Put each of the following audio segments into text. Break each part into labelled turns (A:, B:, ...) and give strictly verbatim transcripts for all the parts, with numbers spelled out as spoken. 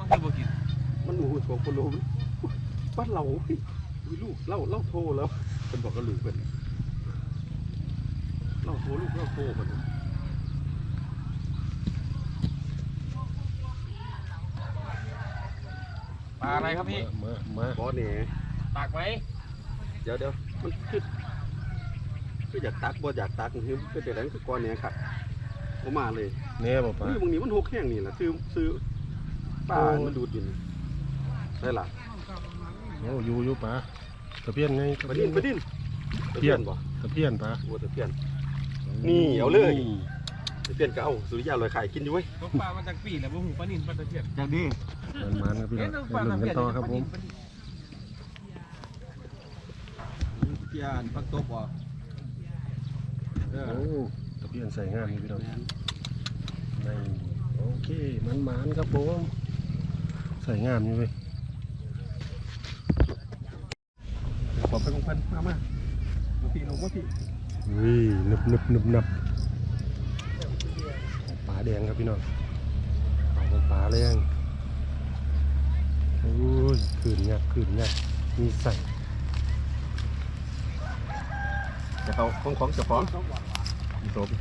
A: ไม่บอกกิน
B: มันหมูโฉบปลุมบ้านเราวิลูกเล่าเล่าโทรแล้วเป็นบอกกระลือเป็นเล่าโทรลูกเล่าโทรเป็น
A: ปลาอะไรครับพี่
C: มามา
B: บอสเนี่ย
A: ตักไหม
B: เดี๋ยวเดี๋ยวมันคือก็อยากตักบ่อยากตักคือเป็นแต่ไหนคือก้อนเนี่ยครับผมมาเลย
C: แน่บ่ปลา
B: นี่บางนี้มันหกแห้งนี่แหละซื้อซื้อปลามันดูดอยู่ได้ล่ะ
C: โอ้อยู่อยู่ปลาตะเพียนไง
B: ไปดิ้นไปดิ้น
C: ตะเพียน
B: บ่
C: ตะเพียนปลา
B: โอ้ตะเพียน นี่เอาเลย ตะเพียนก็เอาสุริยาลอยไข่กินอยู่เว้ย
A: ตกปลามาจากปีแล้วบุหูปลานินปลาตะเพียน
B: อย่างนี้
C: มันมันครับพี่น้อง
A: เอ๊ะ
C: ไปลุ้นกันต่อครับผม
B: เพียนปักตบบ่เออ
C: โอ้ตะเพียนใส่งานนี่พี่น้องนี่โอเคมันมันครับผมใส่งามอยู่เว้ย
B: ขอไปของพันมามามาพี่ลงมาพี่
C: วินึบนึบนึบนับปลาแดงครับพี่น้องเอาเป็นปลาแดงโอ้ยขืนงักขืนงักมีใส่
B: จะเขาของของเจ้าของจบ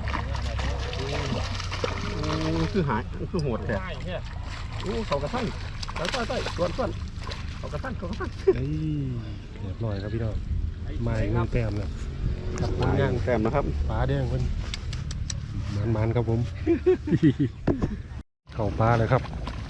B: คือหายคือโหดแท้
A: ใช่เนี่ย
B: โอ้เขากระทั่งใส่ใส่ใส่ส่วนส่วนเขากระทั่งเขากระทั่ง
C: เอ้ยเรียบร้อยครับพี่น้องมาอีกหนึ่งแต้มแล้วครับผลงาน
B: แต้มนะครับ
C: ปลาแดงเพิ่นมันมันครับผม เข้าปลาเลยครับ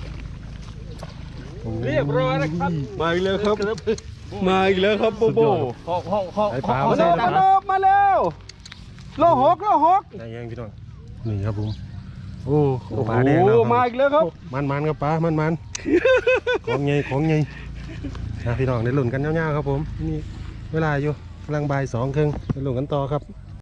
A: เรียบร้อยนะครับ
B: มาอีกแล้วครับมาอีกแล้วครับโบโบ
A: หอกหอกหอก
C: ไอ้ปลา
B: มา
C: ใส่
B: แล้ว
C: นะ
B: มาแล้วมาแล้วโลหกโลหก
C: ได้ยังพี่น้องนี่ครับผมโอ้
B: โอ้
C: ปลาแดงแล้ว
B: โหมาอีกแล้วครับ
C: มันมันครับปลามันมัน ของไงของไงนะพี่น้องได้ลุ้นกันยาวๆครับผมนี่เวลาอยู่กำลังบ่ายสองครึ่งได้ลุ้นกันต่อครับ